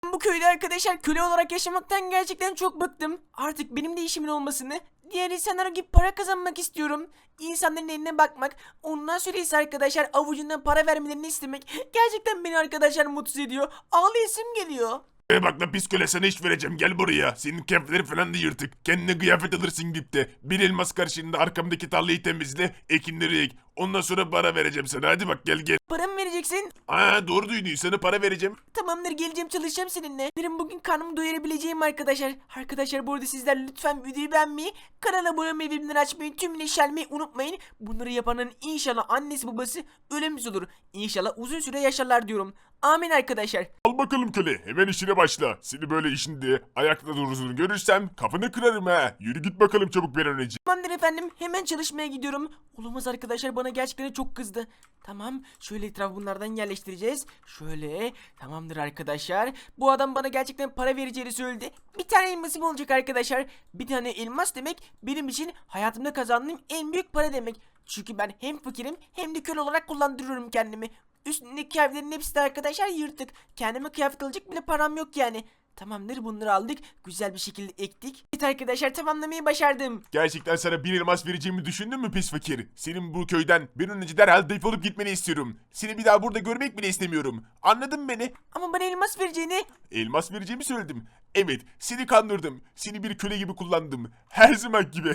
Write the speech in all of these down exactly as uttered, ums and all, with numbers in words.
Bu köyde arkadaşlar köle olarak yaşamaktan gerçekten çok bıktım. Artık benim de işimin olmasını, diğer insanlara gibi para kazanmak istiyorum. İnsanların eline bakmak, ondan sonra ise arkadaşlar avucundan para vermelerini istemek gerçekten beni arkadaşlar mutsuz ediyor. Ağlayasım geliyor. E bak lan pis köle, sana iş vereceğim, gel buraya. Senin kıyafetlerin falan da yırtık. Kendine kıyafet alırsın gidip de. Bir elmas karşılığında arkamdaki tarlayı temizle, ekinleri ek. Ondan sonra para vereceğim sana, hadi bak gel gel. Para mı vereceksin? Aa doğru duydun, sana para vereceğim. Tamamdır, geleceğim, çalışacağım seninle. Benim bugün karnımı doyurabileceğim arkadaşlar. Arkadaşlar bu arada sizler lütfen videoyu beğenmeyi, kanala abone olmayı, bildirimleri açmayı, tüm işaretlemeyi unutmayın. Bunları yapanın inşallah annesi babası ölümsüz olur. İnşallah uzun süre yaşarlar diyorum. Amin arkadaşlar. Al bakalım köle, hemen işine başla. Seni böyle işinde ayakta durduğunu görürsem kafanı kırarım ha. Yürü git bakalım çabuk bir an önce. Tamamdır efendim, hemen çalışmaya gidiyorum. Olamaz arkadaşlar, bana gerçekten çok kızdı. Tamam, şöyle etrafı bunlardan yerleştireceğiz. Şöyle, tamamdır arkadaşlar. Bu adam bana gerçekten para vereceğini söyledi. Bir tane elmasım olacak arkadaşlar. Bir tane elmas demek benim için hayatımda kazandığım en büyük para demek. Çünkü ben hem fakirim hem de köle olarak kullandırıyorum kendimi. Üstündeki kıyafetlerin hepsi de arkadaşlar yırtık. Kendime kıyafet alacak bile param yok yani. Tamamdır, bunları aldık. Güzel bir şekilde ektik. Evet arkadaşlar, tamamlamayı başardım. Gerçekten sana bir elmas vereceğimi düşündün mü pis fakir? Senin bu köyden bir an önce derhal defolup gitmeni istiyorum. Seni bir daha burada görmek bile istemiyorum. Anladın mı beni? Ama bana elmas vereceğini. Elmas vereceğimi söyledim. Evet, seni kandırdım. Seni bir köle gibi kullandım. Her zaman gibi.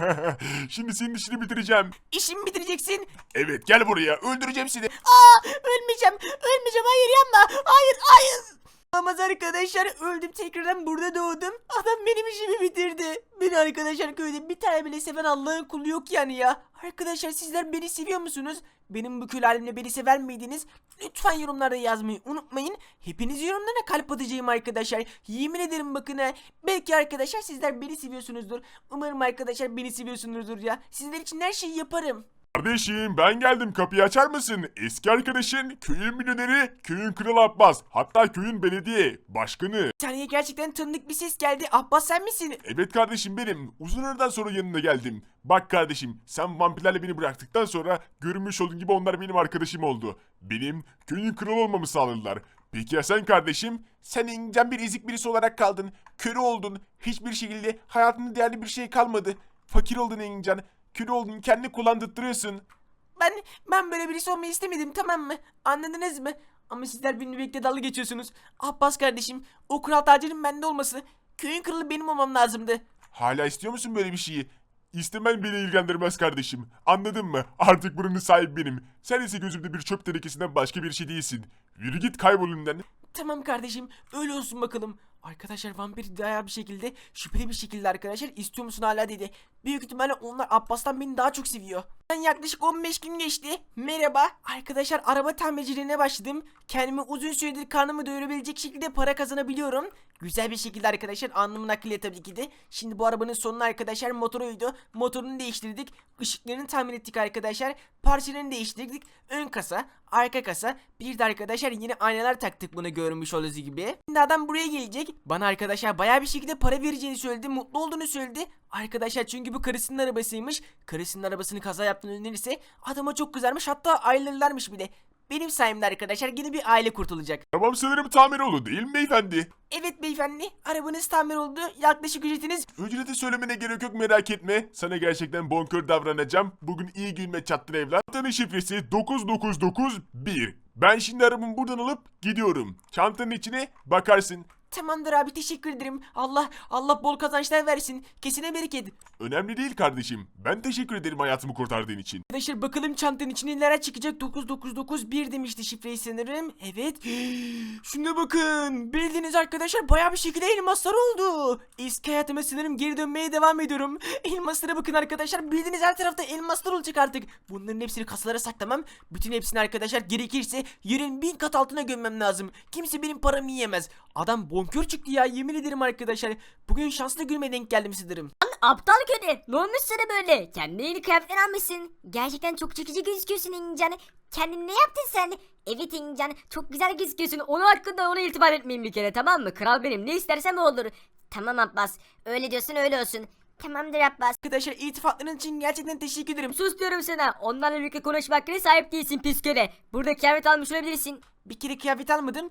Şimdi senin işini bitireceğim. İşimi bitireceksin. Evet, gel buraya. Öldüreceğim seni. Aa, ölmeyeceğim. Ölmeyeceğim. Hayır, yapma. Hayır, hayır. Olamaz arkadaşlar, öldüm, tekrardan burada doğdum. Adam benim işimi bitirdi. Beni arkadaşlar köyde bir tane bile seven Allah'ın kulu yok yani ya. Arkadaşlar sizler beni seviyor musunuz? Benim bu kül halimle beni sever miydiniz? Lütfen yorumlarda yazmayı unutmayın. Hepiniz yorumlara kalp atacağım arkadaşlar. Yemin ederim bakın ha. Belki arkadaşlar sizler beni seviyorsunuzdur. Umarım arkadaşlar beni seviyorsunuzdur ya. Sizler için her şeyi yaparım. Kardeşim ben geldim, kapıyı açar mısın? Eski arkadaşın, köyün milyoneri, köyün kralı Abbas. Hatta köyün belediye başkanı. Bir saniye, gerçekten tanıdık bir ses geldi. Abbas, sen misin? Evet kardeşim benim. Uzun aradan sonra yanına geldim. Bak kardeşim, sen vampirlerle beni bıraktıktan sonra görünmüş olduğun gibi onlar benim arkadaşım oldu. Benim köyün kralı olmamı sağladılar. Peki ya sen kardeşim? Sen incen bir ezik birisi olarak kaldın. Köle oldun. Hiçbir şekilde hayatında değerli bir şey kalmadı. Fakir oldun incen. Köle oldun, kendini kullandırtıyorsun. Ben ben böyle birisi olmayı istemedim, tamam mı? Anladınız mı? Ama sizler benimle birlikte dalga geçiyorsunuz. Abbas kardeşim, o kral tacının bende olması, köyün kralı benim olmam lazımdı. Hala istiyor musun böyle bir şeyi? İstemen beni ilgilendirmez kardeşim. Anladın mı? Artık buranın sahibi benim. Sen ise gözümde bir çöp tenekesinden başka bir şey değilsin. Yürü git, kaybol önümden. Tamam kardeşim, öyle olsun bakalım. Arkadaşlar vampir daha bir şekilde, şüpheli bir şekilde arkadaşlar istiyor musun hala dedi. Büyük ihtimalle onlar Abbas'tan beni daha çok seviyor. Ben yaklaşık on beş gün geçti. Merhaba. Arkadaşlar araba tamirciliğine başladım. Kendimi uzun süredir karnımı doyurabilecek şekilde para kazanabiliyorum. Güzel bir şekilde arkadaşlar, alnımın akıyla tabii ki de. Şimdi bu arabanın sonuna arkadaşlar motoruydu. Motorunu değiştirdik. Işıklarını tamir ettik arkadaşlar. Parçalarını değiştirdik. Ön kasa, arka kasa. Bir de arkadaşlar yine aynalar taktık, bunu görmüş olduğunuz gibi. Şimdi adam buraya gelecek. Bana arkadaşlar bayağı bir şekilde para vereceğini söyledi. Mutlu olduğunu söyledi. Arkadaşlar çünkü bu karısının arabasıymış. Karısının arabasını kaza yaptığını önerirse adama çok kızarmış, hatta ayrılırlarmış bile. Benim sayemde arkadaşlar yine bir aile kurtulacak. Tamam, sanırım tamir oldu değil mi beyefendi? Evet beyefendi, arabanız tamir oldu. Yaklaşık ücretiniz... Ücreti söylemene gerek yok, merak etme. Sana gerçekten bonkör davranacağım. Bugün iyi günüme çattın evlat. Çantanın şifresi dokuz dokuz dokuz bir. Ben şimdi arabamı buradan alıp gidiyorum. Çantanın içine bakarsın. Tamamdır abi, teşekkür ederim. Allah Allah bol kazançlar versin. Kesine bereket. Önemli değil kardeşim. Ben teşekkür ederim hayatımı kurtardığın için. Arkadaşlar bakalım çantanın içine neler çıkacak. Dokuz dokuz dokuz bir demişti şifreyi sanırım. Evet. Şuna bakın. Bildiğiniz arkadaşlar bayağı bir şekilde elmaslar oldu. Eski hayatıma sanırım geri dönmeye devam ediyorum. Elmaslara bakın arkadaşlar. Bildiğiniz her tarafta elmaslar olacak artık. Bunların hepsini kasalara saklamam. Bütün hepsini arkadaşlar gerekirse yerin bin kat altına gömmem lazım. Kimse benim paramı yiyemez. Adam bonkör çıktı ya, yemin ederim arkadaşlar. Bugün şanslı günüme denk geldim sanırım. Aptal köle. Ne olmuş sana böyle? Kendine yeni kıyafetler almışsın. Gerçekten çok çekici gözüküyorsun İngilizcan. Kendin ne yaptın sen? Evet İngilizcan, çok güzel gözüküyorsun. Onun hakkında ona iltifat etmeyin bir kere, tamam mı? Kral benim, ne istersem o olur. Tamam Abbas. Öyle diyorsun, öyle olsun. Tamamdır Abbas. Arkadaşlar iltifatların için gerçekten teşekkür ederim. Sus diyorum sana. Onlarla birlikte konuşma hakkına sahip değilsin pis köle. Burada kıyafet almış olabilirsin. Bir kere kıyafet almadım.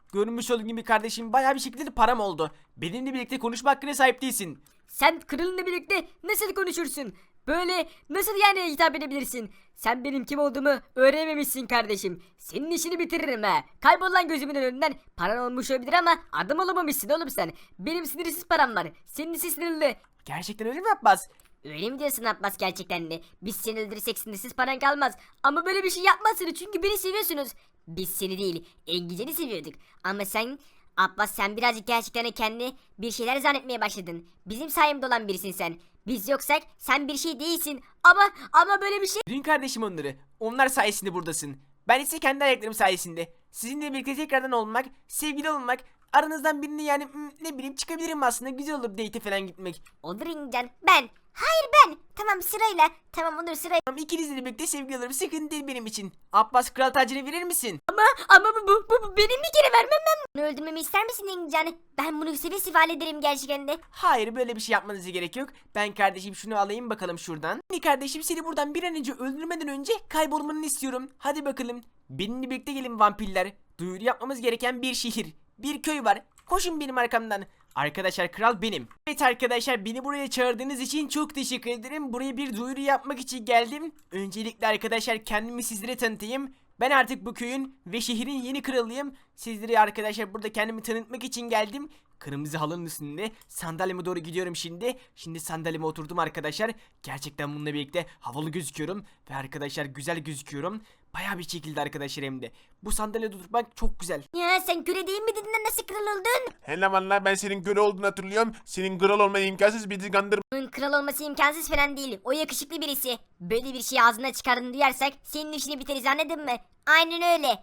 Görmüş olduğun gibi kardeşim bayağı bir şekilde de param oldu. Benimle birlikte konuşma hakkına sahip değilsin. Sen kralınla birlikte nasıl konuşursun? Böyle nasıl yani hitap edebilirsin? Sen benim kim olduğumu öğrenememişsin kardeşim. Senin işini bitiririm ha. Kaybol lan gözümün önünden. Paran olmuş olabilir ama adam olamamışsın oğlum sen. Benim sınırsız param var. Senin ise sınırlı. Gerçekten öyle mi Abbas? Öyle mi diyorsun Abbas gerçekten de? Biz seni öldürürsek sınırsız paran kalmaz. Ama böyle bir şey yapmazsınız çünkü beni seviyorsunuz. Biz seni değil, Engican'ı seviyorduk. Ama sen, Abbas sen birazcık gerçekten de kendi bir şeyler zannetmeye başladın. Bizim sayemde olan birisin sen. Biz yoksak sen bir şey değilsin. Ama ama böyle bir şey... Dün kardeşim onları. Onlar sayesinde buradasın. Ben ise kendi ayaklarım sayesinde. Sizinle birlikte tekrardan olmak, sevgili olmak, aranızdan birini yani hmm, ne bileyim çıkabilirim aslında. Güzel olur date falan gitmek. Olur Engican. Ben. Hayır ben. Tamam sırayla. Tamam olur sırayla. Tamam ikinizle birlikte sevgili olurum. Sıkıntı değil benim için. Abbas kral tacını verir misin? Ama ama bu, bu, bu, bu benim bir kere vermem ben. Bunu öldürmemi ister misin Engican? Ben bunu seve seve hallederim gerçekten de. Hayır böyle bir şey yapmanıza gerek yok. Ben kardeşim şunu alayım bakalım şuradan. Şimdi kardeşim seni buradan bir an önce öldürmeden önce kaybolmanı istiyorum. Hadi bakalım. Benimle birlikte gelin vampirler. Duyuru yapmamız gereken bir şehir. Bir köy var. Koşun benim arkamdan. Arkadaşlar kral benim. Evet arkadaşlar beni buraya çağırdığınız için çok teşekkür ederim. Buraya bir duyuru yapmak için geldim. Öncelikle arkadaşlar kendimi sizlere tanıtayım. Ben artık bu köyün ve şehrin yeni kralıyım. Sizlere arkadaşlar burada kendimi tanıtmak için geldim. Kırmızı halının üstünde sandalyeme doğru gidiyorum şimdi. Şimdi sandalyeme oturdum arkadaşlar. Gerçekten bununla birlikte havalı gözüküyorum. Ve arkadaşlar güzel gözüküyorum. Bayağı bir şekilde arkadaşlar hem de. Bu sandalyede oturmak çok güzel. Ya sen köle değil mi dedin de nasıl kral oldun? Hele valla ben senin köle olduğunu hatırlıyorum. Senin kral olman imkansız, bizi kandırma. Onun kral olması imkansız falan değil. O yakışıklı birisi. Böyle bir şey ağzına çıkardığını duyarsak senin işini biteriz anladın mı? Aynen öyle.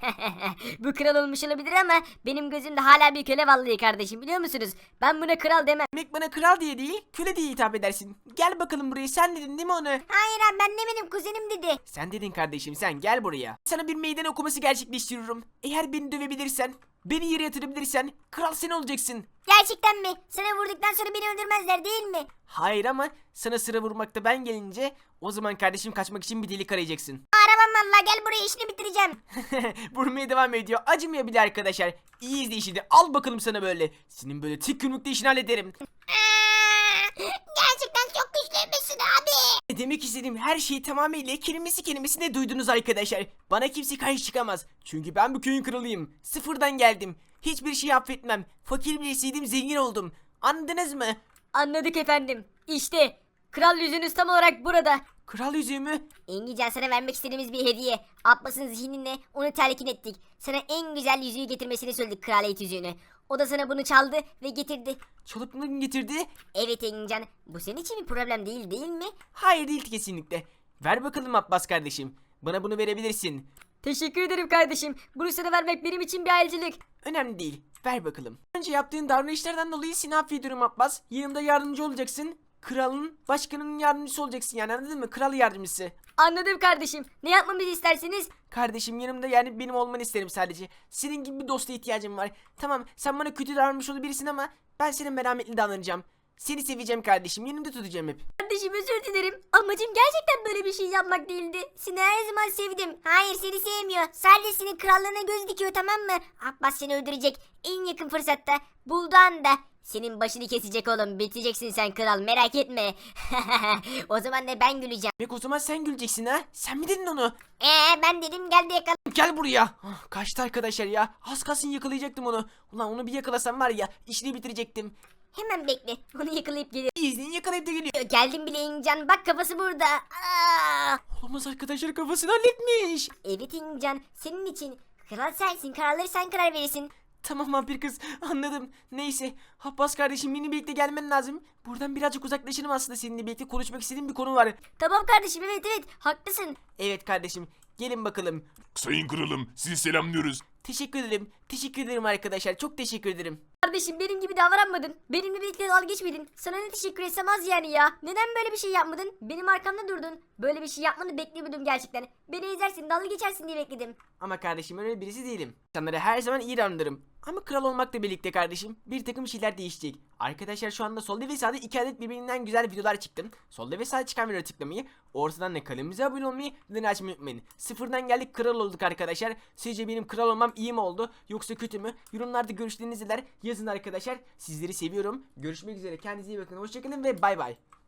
Bu kral olmuş olabilir ama benim gözümde hala bir köle vallahi kardeşim biliyor musunuz? Ben buna kral demem. Demek bana kral diye değil köle diye hitap edersin. Gel bakalım buraya sen dedin değil mi onu? Hayır abi ben demedim kuzenim dedi. Sen dedin kardeşim sen gel buraya. Sana bir meydan okuması gerçekleştiriyorum. Eğer beni dövebilirsen, beni yere yatırabilirsen kral sen olacaksın. Gerçekten mi? Sana vurduktan sonra beni öldürmezler değil mi? Hayır ama sana sıra vurmakta ben gelince o zaman kardeşim kaçmak için bir delik arayacaksın. Aramam valla gel buraya işini bitireceğim. Vurmaya devam ediyor. Acımıyor bile arkadaşlar. İyi izle işini. Al bakalım sana böyle. Senin böyle tek yumrukta işini hallederim. Gerçekten çok güçlüymüşsün abi. Ne demek istediğim her şeyi tamamıyla kelimesi kelimesine duydunuz arkadaşlar. Bana kimse karşı çıkamaz. Çünkü ben bu köyün kralıyım. Sıfırdan geldim. Hiçbir şey affetmem. Fakir birisiydim zengin oldum. Anladınız mı? Anladık efendim. İşte kral yüzünüz tam olarak burada. Kral yüzüğümü Engican sana vermek istediğimiz bir hediye. Abbas'ın zihnine onu telkin ettik. Sana en güzel yüzüğü getirmesini söyledik kraliyet yüzüğünü. O da sana bunu çaldı ve getirdi. çalıp mı getirdi? Evet Engican bu senin için bir problem değil değil mi? Hayır değil kesinlikle. Ver bakalım Abbas kardeşim. Bana bunu verebilirsin. Teşekkür ederim kardeşim. Bunu sana vermek benim için bir ayrıcalık. Önemli değil. Ver bakalım. Önce yaptığın davranışlardan dolayı seni affediyorum Abbas. Yanımda yardımcı olacaksın. Kralın, başkanının yardımcısı olacaksın yani anladın mı? Kral yardımcısı. Anladım kardeşim. Ne yapmamızı isterseniz? Kardeşim yanımda yani benim olmanı isterim sadece. Senin gibi bir dosta ihtiyacım var. Tamam sen bana kötü davranmış olabilirsin ama ben sana merhametli davranacağım. Seni seveceğim kardeşim. Yanımda tutacağım hep. Kardeşim özür dilerim. Amacım gerçekten böyle bir şey yapmak değildi. Seni her zaman sevdim. Hayır seni sevmiyor. Sadece senin krallığına göz dikiyor tamam mı? Abbas seni öldürecek. En yakın fırsatta. Bulduğu anda. Senin başını kesecek oğlum. Biteceksin sen kral merak etme. O zaman da ben güleceğim. Demek o zaman sen güleceksin ha? Sen mi dedin onu? Eee ben dedim gel de yakala. Gel buraya. Ah, kaçtı arkadaşlar ya. Az kalsın yakalayacaktım onu. Ulan onu bir yakalasam var ya işini bitirecektim. Hemen bekle. Onu yakalayıp geliyorum. İzleyin yakalayıp da geliyor. Geldim bile İncan. Bak kafası burada. Aa! Olamaz arkadaşlar kafasını halletmiş. Evet İncan. Senin için. Kral sensin. Kararları sen karar verirsin. Tamam vampir kız anladım. Neyse Abbas kardeşim benimle birlikte gelmen lazım. Buradan birazcık uzaklaşalım aslında seninle birlikte konuşmak istediğim bir konu var. Tamam kardeşim evet evet haklısın. Evet kardeşim gelin bakalım. Sayın kralım, sizi selamlıyoruz. Teşekkür ederim. Teşekkür ederim arkadaşlar. Çok teşekkür ederim. Kardeşim benim gibi davranmadın. Benimle birlikte dalga geçmedin. Sana ne teşekkür etsem az yani ya. Neden böyle bir şey yapmadın? Benim arkamda durdun. Böyle bir şey yapmanı beklemiyordum gerçekten. Beni ezersin dalga geçersin diye bekledim. Ama kardeşim öyle birisi değilim. İnsanlara her zaman iyi davranırım. Ama kral olmakla birlikte kardeşim bir takım şeyler değişecek. Arkadaşlar şu anda solda ve sağda iki adet birbirinden güzel videolar çıktım. Solda ve sağda çıkan videoları tıklamayı, ortadan da kanalımıza abone olmayı, bildirimleri açmayı unutmayın. Sıfırdan geldik, kral olduk arkadaşlar. Sizce benim kral olmam iyi mi oldu yoksa kötü mü? Yorumlarda görüşlerinizi yazın arkadaşlar. Sizleri seviyorum. Görüşmek üzere, kendinize iyi bakın. Hoşçakalın ve bay bay.